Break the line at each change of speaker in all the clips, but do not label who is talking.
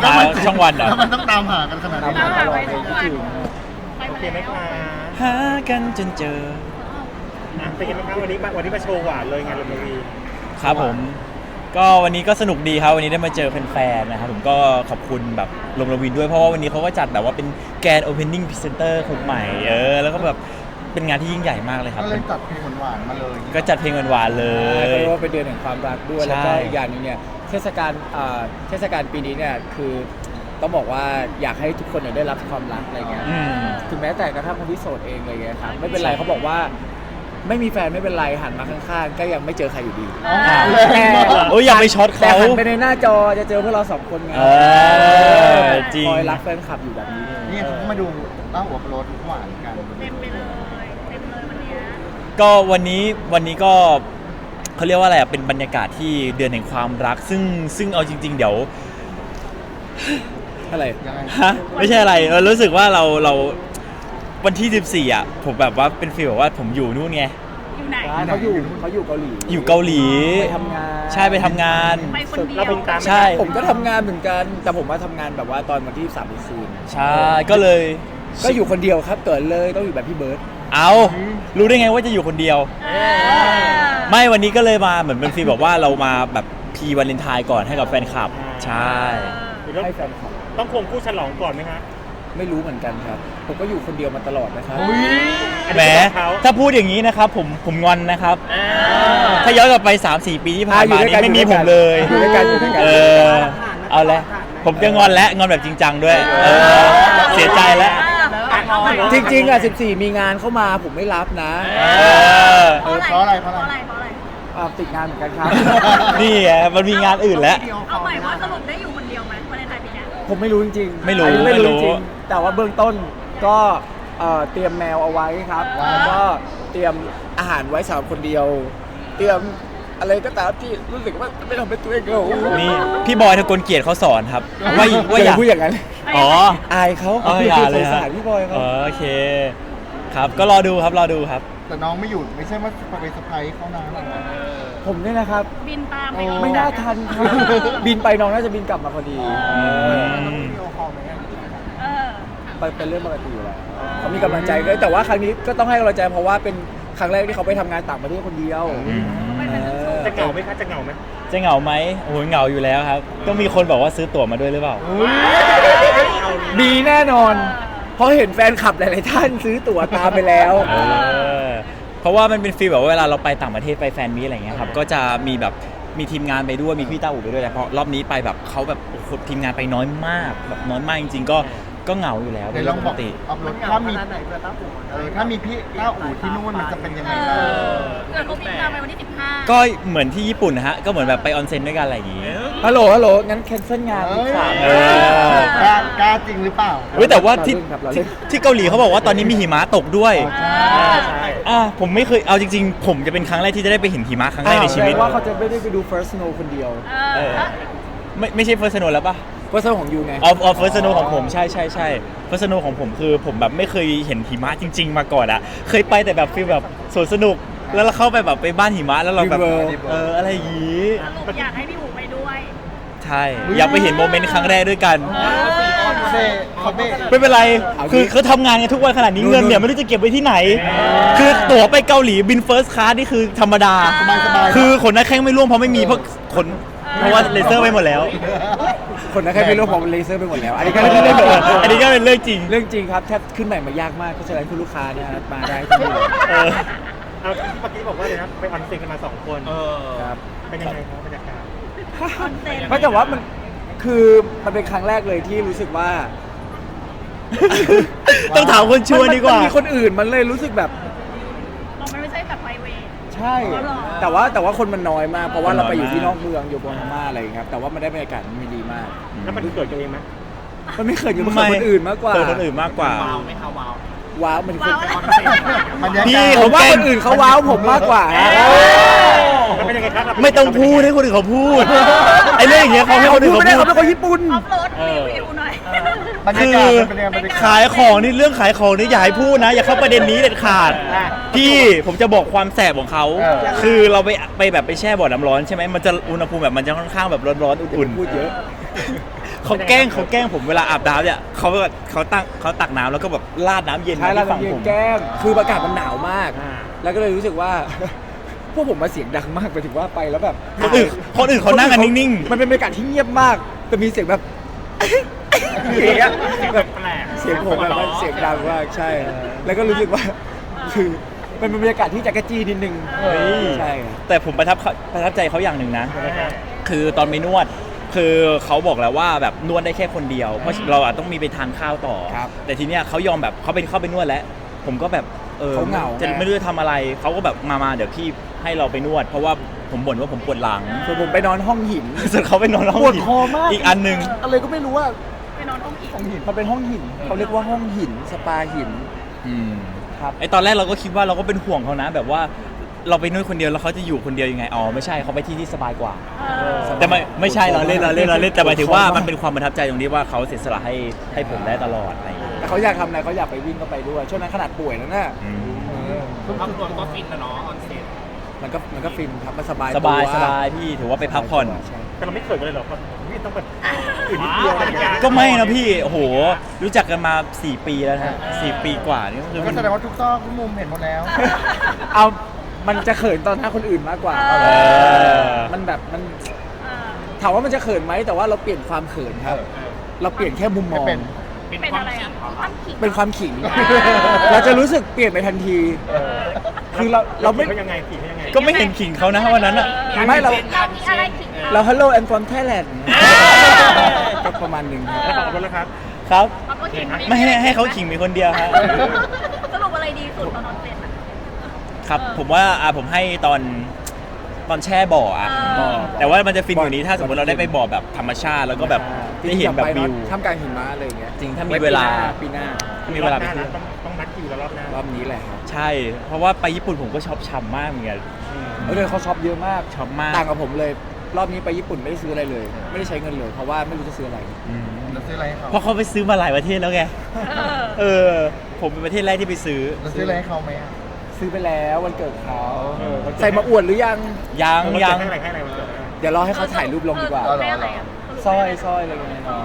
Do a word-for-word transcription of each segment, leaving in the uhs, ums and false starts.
หาช่องวันเหรอ
แล้วมันต้องตามหากันขนาดนี้
ตามหาไปทุกวัน
โอเคไหมคะ
หากันจนเจอ
อ่ะเป็นยังไงบ้างวันนี้มาวันนี้มาโชว์หวานเลยงานลมวี
ครับผมก็วันนี้ก็สนุกดีครับวันนี้ได้มาเจอแฟนๆนะครับผมก็ขอบคุณแบบลมระวินด้วยเพราะว่าวันนี้เขาก็จัดแบบว่าเป็นแกรนด์โอเพนนิ่งพรีเซนเตอร์คนใหม่เออแล้วก็แบบเป็นงานที่ยิ่งใหญ่มากเลยครับ
ก็เลยจัดเพลงหวานๆมาเลย
ก็จัดเพลงหวานๆเล
เขา
ย
เรียกว่าเป็นเดือนแห่งความรักด้วย
ใช่
แล้วก็อีกอย่างหนึงเนี่ยเทศกาลอ่าเทศกาลปีนี้เนี่ยคือต้องบอกว่าอยากให้ทุกคนเนี่ยได้รับความรักอะไรเงี้ย
อืม
ถึงแม้แต่กระทั่งคนที่โสดเองอะไรเงี้ยครับไม่เป็นไรเขาบอกว่าไม่มีแฟนไม่เป็นไรหันมาข้างๆก็ยังไม่เจอใครอยู่ดี
อ้าว
แต่
โอ้ยอย่าไปช็อต
แต่
เขา
หันไปในหน้าจอจะเจอพวกเราสองคนไง
เออจริง
คอยรักแฟนคลับอยู่แบบนี้
นี่
เนี่ย
เขาก็มาดูเต้าหัวโปรดหวานกัน
เต็มไปเลยเต็มเลยวันเนี้ย
ก็วันนี้วันนี้ก็เขาเรียกว่าอะไรอ่ะเป็นบรรยากาศที่เดือนแห่งความรัก ซึ่งซึ่งเอาจริง ๆ เดี๋ยว
อะไร
ยังไง
ฮะไม่ใช่อะไรเรารู้สึกว่าเราเราวันที่สิบสี่อ่ะผมแบบว่าเป็นฟีลแบบว่าผมอยู่นู่นไง
อยู่ไหน
เขาอยู่เขาอยู่เกาหลี
อยู่เกาหลี
ไปทำงาน
ใช่ไปทำงาน
ไปคนเดียว
เราเป็นตาม
ใช่
ผมก็ทำงานเหมือนกัน แต่ผมว่าทำงานแบบว่าตอนวันที่สามคืน
ใช่ก็เลย
ก็อยู่คนเดียวครับเกิดเลยต้องอยู่แบบพี่เบิร์ต
เอารู้ได้ไงว่าจะอยู่คนเดียว
เออ
ไม่วันนี้ก็เลยมาเหมือนเป็นฟีลแบบว่าเรามาแบบพีวาเลนไทน์ก่อนให้กับแฟนคลับ ใช่
หรือต้อง
ให้แฟนคลับ
ต้องควงคู่ฉลองก่อนไหมฮะ
ไม่รู้เหมือนกันครับ ผมก็อยู่คนเดียวมาตลอดนะครับ
แหมถ้าพูดอย่างนี้นะครับผมผมงอนนะครับ ถ้าย้อนกลับไป สามสี่ ปีที่ผ่านมานี้ไม่มีผมเลย
อยู่ด้วยกันอยู่ด้วยกัน
เออเอาเลยผมจะงอนและงอนแบบจริงจังด้วยเออเสียใจแล้ว
จริงๆอ่ะสิบสี่มีงานเข้ามาผมไม่รับนะ
เออ
เออเพราะอะไรเพราะ
เพราะ
อะ
อะไร ไรเพราะอะไร
อ่าติดงานเหมือนกันครับ
นี่ไงมันมีงานอื่นแล้ว
เอาใหม่ว่าสรุปได้อยู่คนเดียวไหมวันในไทยปีเนี้ย
ผมไม่รู้จริงๆ
ไม่รู้
อันนี้ไม่
ไม่รู้
รู้จริงๆแต่ว่าเบื้องต้นก็เอ่อเตรียมแมวเอาไว้ครับแล้วก็เตรียมอาหารไว้สำหรับคนเดียว เตรียมอะไรก็ตามที่รู้สึกว่าไม่ทำเป็นตัวเองเหงา
นี่พี่บอยทกลเกียรติเขาสอนครับว่าว่าอย่
อา
ย่า
พูดอย่างนั้น
อ๋อ
อายเขา
เอออย่าเลย
สง
ฮะ
สารพี่บอยเขา
อ๋อโอเค ครับก็รอดูครับรอดูครับ
แต่น้องไม่หยุดไม่ใช่ว่าไปเซอร์ไพรส์เขานะ
ผมเนี่ยนะครับ
บินตามไป
ไม่น่าทันครับบินไปน้องน่าจะบินกลับมาพอดี
อืม
เออ
ไปเป็นเรื่องปกติอยู่แล้วเขามีกำลังใจด้วยแต่ว่าครั้งนี้ก็ต้องให้กำลังใจเพราะว่าเป็นครั้งแรกที่เขาไปทำงานต่างประเทศคนเดียว
อืม
เออ
จะเหงาไหมคะจะเหงาไหม
จะเหงาไหมโอ้โหเหงาอยู่แล้วครับ ต้องมีคนบอกว่าซื้อตั๋วมาด้วยหรือเปล่า
ดีแน่นอน เพราะเห็นแฟนคลับหลายๆท่านซื้อตั๋วตามไปแล้ว
เออเพราะว่ามันเป็นฟีลแบบว่าเวลาเราไปต่างประเทศไปแฟนมีตอะไรเงี้ยครับก็จะมีแบบมีทีมงานไปด้วยมีพี่ต้าอู่ไปด้วยแต่พอรอบนี้ไปแบบเขาแบบโอ้โหทีมงานไปน้อยมากแบบน้อยมากจริงๆก็ก็เหงาอยู่แล้ว
เดี๋ยวลองบอก
ปกติ
อัพโหลดถ้ามีเออถ้ามีพี่เต้าอู่ที่นู่นมันจะเป็นยังไง
เอ
บ้าง
อเกิดเขาบินตามไปวันที่สิบห้า
ก็เหมือนที่ญี่ปุ่นนะฮะก็เหมือนแบบไปออนเซ็นด้วยกันอะไรอย่างงี้
ฮัลโหลฮัลโหลงั้นแคนเซิลงาน
เอ
อีก
อ
สาม
เออ
กล้ากล้าจริงหรือเปล่า
เว้ยแต่ว่าที่
เราเล่นครับเราเล่
ที่
น
ที่เกาหลีเขาบอกว่าตอนนี้มีหิมะตกด้วย
ใช่
ใช่
อ่าผมไม่เคยเอาจริงๆ ผมจะเป็นครั้งแรกที่จะได้ไปเห็นหิมะครั้งแรกในชีวิต
แสดงว่าเขาจะไม่ได้ไปดู first snow คนเดียว
เอ
เอ
อ
อ ไม่ไม่ใช่เฟิร์สโนแล้วปะ
first snow ของยูไง
ออฟออฟเฟิร์สโนของผมใช่ใช่ใช่เฟิร์สโนของผมคือผมแบบไม่เคยเห็นหิมะจริง ๆ มาก่อนอะเคยไปแต่แบบฟีลแบบสวนสนุก แล้วเราเข้าไปแบบไปบ้านหิมะแล้วเราแบบ
River
เอออะไรอย่างงี้
สรุปอยากให้พี่หูไปด้วย
ใช่อยากไปเห็นโมเมนต์ครั้งแรกด้วยกัน
เซ่เขาเบ้
ไม่เป็นไร
เอาดิ
คือเขาทำงานกันทุกวันขนาดนี้เงินเนี่ยไม่รู้จะเก็บไว้ที่ไหน คือตั๋วไปเกาหลีบินเฟิร์สคลาสนี่คือธรรมดา
สบายสบาย
คือขนหน้าแข้งไม่ร่วงเพราะไม่มีเพราะขนเพราะว่าเลเซอร์ไปหมดแล้ว
คนนั้นแค่ไม่รู้ผมเลเซอร์ไปหมดแล้ว อันนี้ก็เป็นเรื่อง
อันนี้ก็เป็นเรื่องจริง
เรื่องจริงครับแทบขึ้นใหม่มายากมากเพราะฉะนั้นคุณลูกค้าเนี่ยมาได้ที่นี่เลย
เออ
เอาเมื่อกี้บอกว่าเลยนะไปออนเซ็นกันมาสองคน
ครับ
เป็นยังไงครับบรรยากาศ
คอนเซ็ปต์
ไม่แต่ว่ามันคือมันเป็นครั้งแรกเลยที่รู้สึกว่า
ต้องถามคนชวนดีกว่า
นมีคนอื่นมันเลยรู้สึกแบบ
มันไม่ใช่แบบไพรเวท
ใช่
อ๋อเหรอ
แต่ว่าแต่ว่าคนมันน้อยมาก เพราะว่า
คนน้
เรา
อย
ไปอยู่ที่
มาก
นอกเมืองอยู่บนพม่าอะไรอย่างเงี้ยครับแต่ว่ามันได้บรรยากาศมันดีมาก
แล้วมันเกิดกันเองไหม
มันไม่เคยอยู่กับคนอื่นมากกว่า
เจอคนอื่นมากกว่า
ว้าวมันคือ
ว้าวอะไร
บรรยากาศ
พี่
ผมว่าคนอื่นเขาว้าวผมมากกว่าฮะ
แล้วเป็นยังไงครับ
ไม่ต้องพูดให้คนอื่นเขาพูด ไอ้เรื่องอย่างเงี้ยเขาให้คนอื่น
พูด
เขา
ไม่ได้
พู
เขา
ด
เป็นคนญี่ปุ่น
ออฟโรดรีวิวหน่อย
บรรยากาศมันเป็นยังไงบรรยากาศ
ขายของนี่เรื่องขายของนี่อย่าให้พูดนะ อย่าเข้าประเด็นนี้เด็ดขาด พี่ผมจะบอกความแสบของเขา
เออ
คือเราไปไปแบบไปแช่บ่อน้ำร้อนใช่ไหมมันจะอุณหภูมิแบบมันจะค่อนข้างแบบร้อนๆอุ่น
พูดเยอะ
เขาแกล้งเขาแกล้งผมเวลาอาบน้ำเนี่ยเขาแบบเขาตั้งเขาตักน้ำแล้วก็แบบราดน้ำเย็น
ใช่
มา
แล้ว
ที่ฝั่ง
เย็
ผ
น
ม
แก้มคืออากาศมันหนาวมาก
อ่า
แล้วก็เลยรู้สึกว่า พวกผมมาเสียงดังมากไปถึงว่าไปแล้วแบบ
คนอื่นคนอื่นเขานั่งกันนิ่งๆ
มันเป็นบรรยากาศที่เงียบมากแต่มีเสียงแบบ อย่างเงี้ยแบบ
แปลก
เสียงผมแบบว่าเสียงดังมากใช่ แล้วก็รู้สึกว่า คือมันเป็นบรรยากาศที่จักรจี้นิดนึง
เฮ้ย
ใช่ครับ
แต่ผมประทับเขาประทับใจเขาอย่างหนึ่งนะ คือตอนไปนวด คือเขาบอกแล้วว่าแบบนวดได้แค่คนเดียว เพราะเราอะต้องมีไปทานข้าวต่อ
ครับ
แต่ทีเนี้ยเขายอมแบบเขาเป็นเข้าไปนวดแล้ว ผมก็แบบเออ
เขาเหงา
จะไม่รู้จะทำอะไร เขาก็แบบมามาเดี๋ยวพี่ให้เราไปนวด เพราะว่าผมบ่นว่าผมปวดหลัง
ส่วนผมไปนอนห้องหิน
ส่วนเขาไปนอนห้อง
ปวด
หิน
คอมาก
อีกอันหนึ่ง
อะไรก็ไม่รู้ว่า
ไปนอนห้องอีก
ห้องหินมันเป็นห้องหินเขาเรียกว่าห้องหินสปาหิน
อืม
ครับ
ไอตอนแรกเราก็คิดว่าเราก็เป็นห่วงเขานะ แบบว่าเราไปนวดคนเดียวแล้วเขาจะอยู่คนเดียวยังไง อ๋อไม่ใช่เขาไปที่ที่สบายกว่า
เออ
แต่ไม่ไม่ใช่เราเล่นเราเล่นเราเล่นแต่หมายถึงว่า
ปวดคอมาก
มันเป็นความประทับใจตรงที่ว่าเขาเสียสละให้ให้ผมได้ตลอดอะไรอย่างเงี้ย
แต่เขาอยากทำอะไรเขาอยากไปวิ่งก็ไปด้วยช่วงนั้นขนาดป่วยแล้วน่ะ
อืม
ครอบครัวก็ฟินนะเนาะออนเซ็ต
มันก็มันก็ฟินครับมันสบาย
สบาย
ตัว
สบายพี่ถือว่าไปพักผ่อน
ใช่
แต่เราไม่เคยกันเลยเหรอเพราะพี่ต้องแบบอื่นนิดเดียวอะไรอย่างเงี้ย
ก็ไม่นะพี่โอ้โห รู้จักกันมา 4 ปีแล้วนะสี่ปีกว่านี่ก็คือ
ก็
มัน
แสดงว่าทุกซอกทุกมุมเห็นหมดแล้ว
เอามันจะเขินตอนหน้าคนอื่นมากกว่า
เอ
เออ
มันแบบมัน
เออ
ถามว่ามันจะเขินไหมแต่ว่าเราเปลี่ยนความเขินครับ เราเปลี่ยนแค่มุมมอง
เป็น
เป็นอะไรอ่ะความขิง
เป็นความขิง เราจะรู้สึกเปลี่ยนไปทันที คือเราเราไม่
เขายังไงผีเขายังไง
ก็ไม่เห็นขิงเขานะวันนั้นอ่ะ
ไม่เรา
เรามีอะไรขิง
เรา Hello and from Thailand ก็ประมาณหนึ่งครับ
แล้วขอบคุณแล้วครับ
ครับ
เขาก็ขิง
ไม่ให้ให้เขาขิงมีคนเดียวครับ
สรุปอะไรดีสุดตอนนอนเซ็นอะ
ครับผมว่าอ่ะผมให้ตอนตอนแช่บ่ออ่ะ
เออ
แต่ว่ามันจะฟินกว่านี้ถ้าสมมติเราได้ไปบ่อแบบธรรมชาติแล้วก็แบบได้เห็นแบบวิว
ท่ามกลางหิมะอะไรอย่างเงี้ย
จริงถ้ามีเวลา
ปีหน้า
ถ้ามีเวลาไป
รอบห
เที่
น้
ยว
นะต้องต้องนัดคิวแล้วรอบหน้าร
อบนี้แหละครับ
ใช่ เพราะว่าไปญี่ปุ่นผมก็ชอบฉ่ำมากเหมือนกัน
เออเขาช็อปเยอะมาก
ช็อปมาก
ต่างกับผมเลย รอบนี้ไปญี่ปุ่นไม่ได้ซื้ออะไรเลย ไม่ได้ใช้เงินเลย เพราะว่าไม่รู้จะซื้ออะไร
อืม
เราซื้ออะไรให้เขา
เพราะเขาไปซื้อมาหลายประเทศแล้วไง
เออ
เออ ผมเป็นประเทศแรกที่ไปซื้อ
เราซื้ออะไรให้เขาไหมอะ
ซื้อไปแล้ววันเกิดเขา
เออ
ใส่มาอวดหรือยัง
ยัง
มัน
ยั
เกิด
ง
ให้อะไรให้อะไรมันเกิดให้อะไร
เดี๋ยวรอให้เขาถ่ายรูปลงดีกว่า
เออได้อะไรอะ
สร้อยสร้อยอะไรเงี้ยน้อย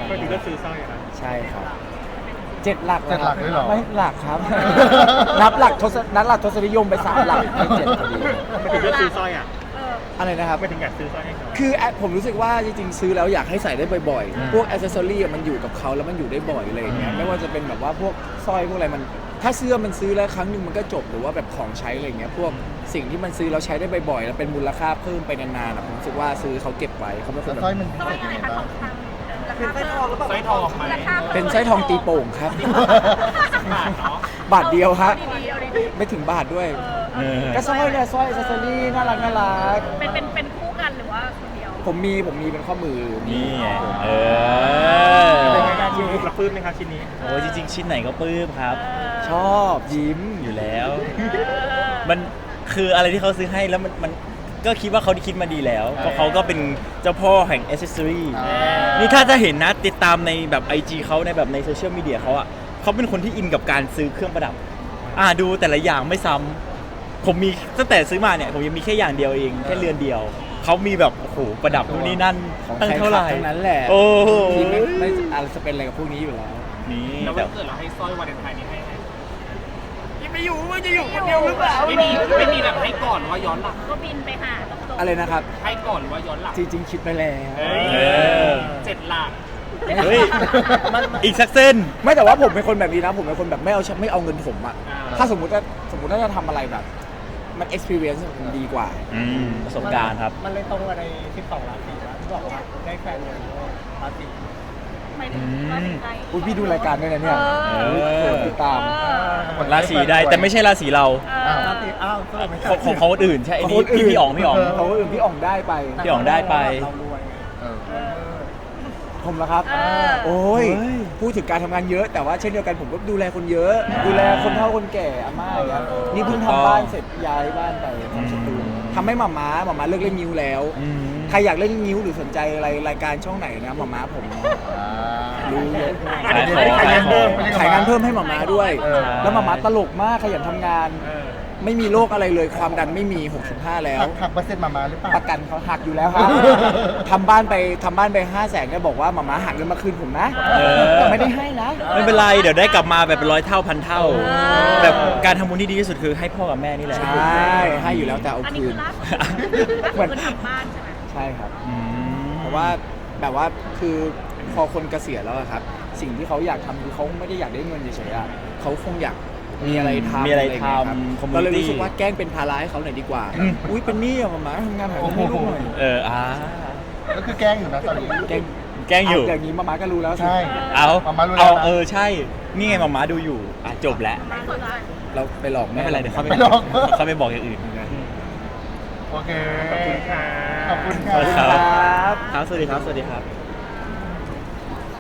ก็ดีก็ซื้อสร้อยอะนะ
ใช่ครับเจ็ดหลัก
เจ็ดหลักเลยเหรอ
ไม่หลักครับ นับหลักทศนับหลักทศนิยมไปสามหลักไม่เจ็ดพอดี
ไม่ถึงก็ซื้อสร้อยอ่ะ
เออ
อะไรนะครับ
ไม่ถึงอยากซื้อสร้อยให้เขา
คือแอผมรู้สึกว่าจริงๆซื้อแล้วอยากให้ใส่ได้บ่อย
อืม
ๆ พวกอ c เซสซอรี่มันอยู่กับเขาแล้วมันอยู่ได้บ่อยอะไรอย่างเงี้ย
อืม
ไม่ว่าจะเป็นแบบว่าพวกสร้อยพวกอะไรมัน ถ้าเสื้อมันซื้อแล้วครั้งหนึ่งมันก็จบหรือว่าแบบของใช้อะไรอย่างเงี้ยพวกสิ่งที่มันซื้อแล้วใช้ได้บ่อยๆแล้วเป็นมูลค่าเพิ่มไปนานๆอะผมรู้สึกว่าซื้อเขาเก็บไว้เขาเป็นค
แล้
น
ว
แบบ
สร้อยมันพิ
สร้
เศ
อย
ษ
อะ
ยัง
ไร
ไง
คะท
บ้า
อง งคำราคาเพิ่ม
สร้อยทองไหม
ราคาพิ่ม
เป็นสร้อยทองตีโป่งครับ
บาทเนาะ
บาทเดียวครับ
ดีๆเอาดีๆ
ไม่ถึงบาทด้วย
เออ
ก็สร้อยเนี่ยสร้อยอ c เซสซอรี่น่ารักน่ารัก
เป็นเป็นเป็นคู่กันหรือว่าคนเดียว
ผมมีผมมีเป็นข้อมือ
นี่ไงเอ
เป็น
อ
ไงบ้างชิ้นนี้รับปลื้มไหมครับชิ้นนี้
โอ้ยจริง ๆ ชิ้นไหนก็ปลื้มครับ
ชอบยิ้ม
อยู่แล้ว
เออ
มันคืออะไรที่เขาซื้อให้แล้วมันมันก็คิดว่าเขาคิดมาดีแล้วเพราะเขาก็เป็นเจ้าพ่อแห่งอ c เซสซอรี่
อ่า
นี่ถ้าจะเห็นนะติดตามในแบบ ไอ จี เขาในแบบในโซเชียลมีเดียเขาอ่ะเขาเป็นคนที่อินกับการซื้อเครื่องประดับ อ่าดูแต่ละอย่างไม่ซ้ำผมมีตั้งแต่ซื้อมาเนี่ยผมยังมีแค่อย่างเดียวเองแค่เรือนเดียวเขามีแบบโอ้โหประดับนู่นนี่นั่น
ของ
ตั้ง
ใคร
เท่าไหร่
ทั้งนั้นแหละ
โอ้โห
ที่ไม่ไม่อะไรจะเป็นอะไรกับพวกนี้อยู่แล้ว
นี่
แล้ว
แต่
วันเกิดเราให้สร้อยวาเลนไทน์นี้ให้ไหม
ไม่อยู่มันจะอยู่คนเดียวหรือเปล่า
ไม่มีไม่มีแบบให้ก่อนหรือว่าย้อนหลัง
ก็บินไปหาตรงๆ
อะไรนะครับ
ให้ก่อนหรือว่าย้อนหลัง
จริงๆคิดไปแล้ว
เฮ้ย
เออ
เจ็ดหลัก
เฮ้ยอีกสักเส้น
ไม่แต่ว่าผมเป็นคนแบบนี้นะ ผมเป็นคนแบบไม่เอาไม่เอาเงินผมอะ
อ่า
ถ้าสมมติว่าสมมติว่าจะทำอะไรแบบ มัน experience มันดีกว่า
อืมประสบการณ์ครับ
มันเลยตรงกับในสิบสองราศีนะที่บอกว่าได้แฟนเลยราศี
หมายถึงราศีใคร
อุ้ยพี่ดูรายการด้วยนะเนี่ย
เออ
อุ๊ยเปิดติดตาม
เออ
ราศีได้แต่ไม่ใช่ราศีเรา
เออ
ราศีอ้าวสรุปไม่ใช่
ของของเขาคนอื่นใช่ไอ้
ของ
นี่
คนอื่
พี่
น
พี่อ๋องพี่อ๋อง
เขาอื่นพี่อ่องได้ไป
พี่อ๋องได้ไป
เรารวยไง
เออ
เออ
ผมละครับ
เออ
โอ้ย
เฮ้ย
พูดถึงการทำงานเยอะ แต่ว่าเช่นเดียวกันผมก็ดูแลคนเยอะ ดูแลคนเฒ่าคนแก่อาม่าอย่างเงี้ยนี่เพิ่งทำบ้านเสร็จย้ายบ้านไปทำสตูดิโอทำให้หม่าม้าหม่าม้าเลิกเล่นนิ้วแล้ว
อืม
ใครอยากเล่นนิ้วหรือสนใจอะไรรายการช่องไหนนะหม่าม้าผม
อ่า
รู้เยอะ
ขายของ
ขาย
ขาย
งาน
ข
เพิ่
อ
ม
ง
ขายงานเพิ่มให้หม่าม้าด้วย
เออ
แล้วหม่าม้าตลกมากขยันทำงาน
เออ
ไม่มีโรคอะไรเลยความดันไม่มีหกสิบห้าแล้ว
หักหักเปอร์เซ็นต์มามาหรือเปล่า
ประกันเขาหักอยู่แล้วครับ ทำบ้านไปทำบ้านไปห้าแสนก็บอกว่าหมาม้าหักเงินมาคืนผมนะ
เออ
แต่ไม่ได้ให้นะ
ไม่เป็นไรเดี๋ยวได้กลับมาแบบเป็นร้อยเท่าพันเท่า แบบการทำบุญที่ดีที่สุดคือให้พ่อกับแม่นี่แหละ
ใช่ให้อยู่แล้วแต่เอา
อันนี้
คื
คื
น
อล่าสุดล่าสุดคือทำบ้านใช่ไหม
ใช่ครับ
อืม
เพราะว่าแบบว่าคือพอคนเกษียณแล้วอะครับ สิ่งที่เขาอยากทำคือเขาไม่ได้อยากได้เงินเฉยๆอะเขาคงอยากมีอะไรทำ
มีอะไร
ย่างเงี้ยครับ
ทำ community
เราเลยรู้สึกว่าแกล้งเป็นภาระให้เขาหน่อยดีกว่า
อืม
อุ้ยเป็นหนี้อะหมาม้าทำงานหาเงินให้ลูกหน่อย
เอออ่า
ก็คือแกล้งอยู่นะตอนนี้
แกล้ง
แกล้งอยู่
ะอย่างนี้หมาม้าก็รู้แล้วสิ
ใช่
เอา
มาม่ารู้แล้ว
เอา
นะ
เออใช่ นี่ไงมาม่าดูอยู่อ่ะจบแล้ว
ล่าสุดอะไร
เราไปหลอกแม่
ไม่เป็นไรเดี๋ยวเขาไป
ไม่หรอก
เขาไปบอกอย่างอื่น
โอเค
ขอบคุณค่ะ
ขอบคุณ
ขอบคุณ
ค่ะ
ครับครับ สวัสดีครับ สวัสดีครับ